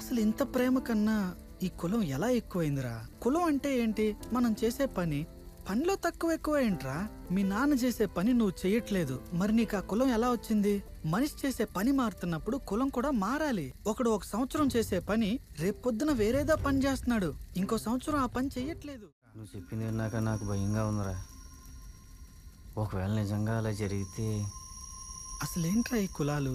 అసలు ఇంత ప్రేమ కన్నా ఈ కులం ఎలా ఎక్కువైందిరా? కులం అంటే ఏంటి? మనం చేసే పనిలో తక్కువ ఎక్కువ ఏంట్రా? మీ నాన్న చేసే పని నువ్వు చెయ్యట్లేదు, మరి నీకు ఆ కులం ఎలా వచ్చింది? మనిషి చేసే పని మారుతున్నప్పుడు కులం కూడా మారాలి. ఒకడు ఒక సంవత్సరం చేసే పని రేపొద్దున వేరేదో పని చేస్తున్నాడు, ఇంకో సంవత్సరం ఆ పని చెయ్యట్లేదు. నువ్వు చెప్పింది విన్నాక నాకు భయంగా ఉందిరా. ఒకవేళ నిజంగా అలా జరిగితే అసలేంట్రా ఈ కులాలు?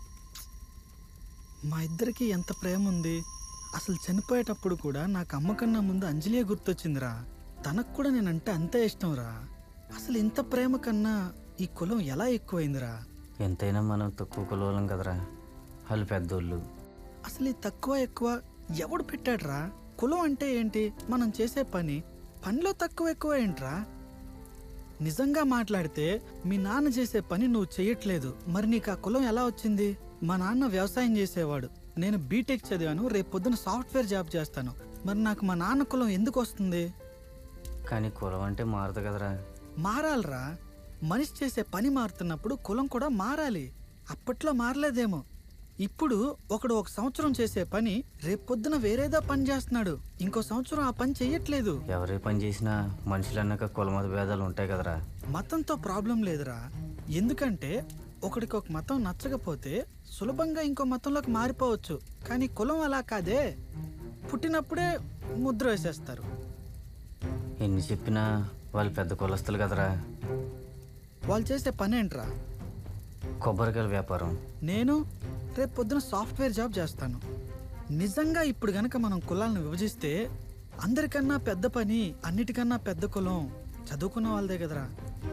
మా ఇద్దరికి ఎంత ప్రేమ ఉంది. అసలు చనిపోయేటప్పుడు కూడా నాకు అమ్మ కన్నా ముందు అంజలియే గుర్తొచ్చిందిరా. తనకు కూడా నేనంటే అంతే ఇష్టంరా. అసలు ఇంత ప్రేమ కన్నా ఈ కులం ఎలా ఎక్కువైందిరా? ఎంతైనా మనం తక్కువ కులవాళ్ళం కదరా, వాళ్ళు పెద్దోళ్ళు. అసలు ఈ తక్కువ ఎక్కువ ఎవడు పెట్టాడ్రా? కులం అంటే ఏంటి? మనం చేసే పనిలో తక్కువ ఎక్కువ ఏంట్రా? నిజంగా మాట్లాడితే మీ నాన్న చేసే పని నువ్వు చెయ్యట్లేదు, మరి నీకు ఆ కులం ఎలా వచ్చింది? మా నాన్న వ్యవసాయం చేసేవాడు, నేను బీటెక్ చదివాను, రేపొద్దున సాఫ్ట్వేర్ జాబ్ చేస్తాను, మరి నాకు మా నాన్న కులం ఎందుకు వస్తుంది? కానీ కులం అంటే మారదు కదరా. మారాలరా. మనిషి చేసే పని మారుతున్నప్పుడు కులం కూడా మారాలి. అప్పట్లో మారలేదేమో, ఇప్పుడు ఒకడు ఒక సంవత్సరం చేసే పని రేపొద్దున వేరేదో పని చేస్తున్నాడు, ఇంకో సంవత్సరం ఆ పని చెయ్యట్లేదు. ఎవరే పని చేసినా మనుషులన్నాక కులమత భేదాలు ఉంటాయి కదరా. మతంతో ప్రాబ్లం లేదురా. ఎందుకంటే ఒకడికి ఒక మతం నచ్చకపోతే సులభంగా ఇంకో మతంలోకి మారిపోవచ్చు, కానీ కులం అలా కాదే. పుట్టినప్పుడే ముద్ర వేసేస్తారు. ఎన్ని చెప్పినా వాళ్ళు పెద్ద కులస్తులు కదరా. వాళ్ళు చేసే పని ఏంట్రా? కొబ్బరికాయల వ్యాపారం. నేను రేపు పొద్దున సాఫ్ట్వేర్ జాబ్ చేస్తాను. నిజంగా ఇప్పుడు గనక మనం కులాలను విభజిస్తే అందరికన్నా పెద్ద పని, అన్నిటికన్నా పెద్ద కులం చదువుకున్న వాళ్ళదే కదరా.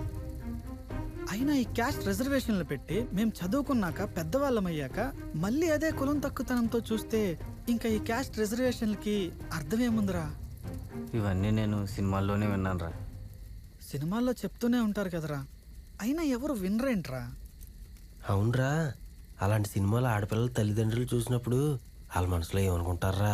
అయినా ఈ క్యాస్ట్ రిజర్వేషన్లు పెట్టి మేము చదువుకున్నాక పెద్దవాళ్ళమయ్యాక మళ్ళీ అదే కులం తక్కువతనంతో చూస్తే ఇంకా ఈ క్యాస్ట్ రిజర్వేషన్లకి అర్థమేముందిరా? ఇవన్నీ నేను సినిమాల్లోనే విన్నానురా. సినిమాల్లో చెప్తూనే ఉంటారు కదరా, అయినా ఎవరు వినరేంట్రా? అవునరా, అలాంటి సినిమాలు ఆడపిల్లల తల్లిదండ్రులు చూసినప్పుడు వాళ్ళ మనసులో ఏమనుకుంటారా?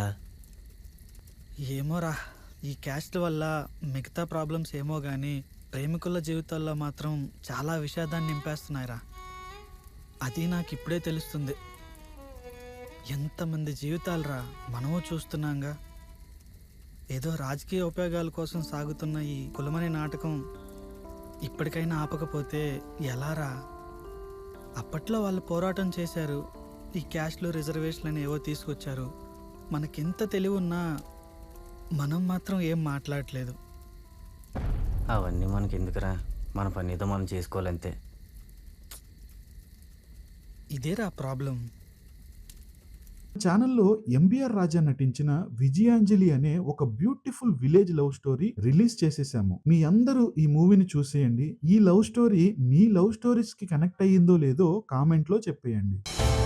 ఏమోరా, ఈ క్యాస్ట్ వల్ల మిగతా ప్రాబ్లమ్స్ ఏమో కానీ ప్రేమికుల జీవితాల్లో మాత్రం చాలా విషాదాన్ని నింపేస్తున్నాయిరా. అది నాకు ఇప్పుడే తెలుస్తుంది. ఎంతమంది జీవితాలరా మనము చూస్తున్నాంగా. ఏదో రాజకీయ ఉపయోగాల కోసం సాగుతున్న ఈ కులమనే నాటకం ఇప్పటికైనా ఆపకపోతే ఎలారా? అప్పట్లో వాళ్ళు పోరాటం చేశారు, ఈ క్యాస్ట్లు రిజర్వేషన్లు ఏవో తీసుకొచ్చారు. మనకెంత తెలివి ఉన్నా మనం మాత్రం ఏం మాట్లాడలేదు. అవన్నీ మనకి ఎందుకురా, మన పని ఏదో మనం చేసుకోవాలంతే. ఇదేరా ప్రాబ్లం. ఛానల్లో ఎంబీఆర్ రాజా నటించిన విజయాంజలి అనే ఒక beautiful village love story release చేసేసాము. మీ అందరూ ఈ మూవీని చూసేయండి. ఈ లవ్ స్టోరీ మీ లవ్ స్టోరీస్ కి కనెక్ట్ అయ్యిందో లేదో కామెంట్ లో చెప్పేయండి.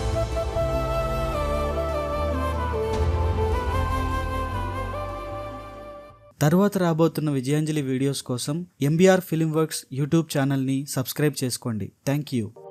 తర్వాత రాబోతున్న విజయాంజలి వీడియోస్ కోసం ఎంబీఆర్ ఫిల్మ్ వర్క్స్ యూట్యూబ్ ఛానల్ని సబ్స్క్రైబ్ చేసుకోండి. Thank you.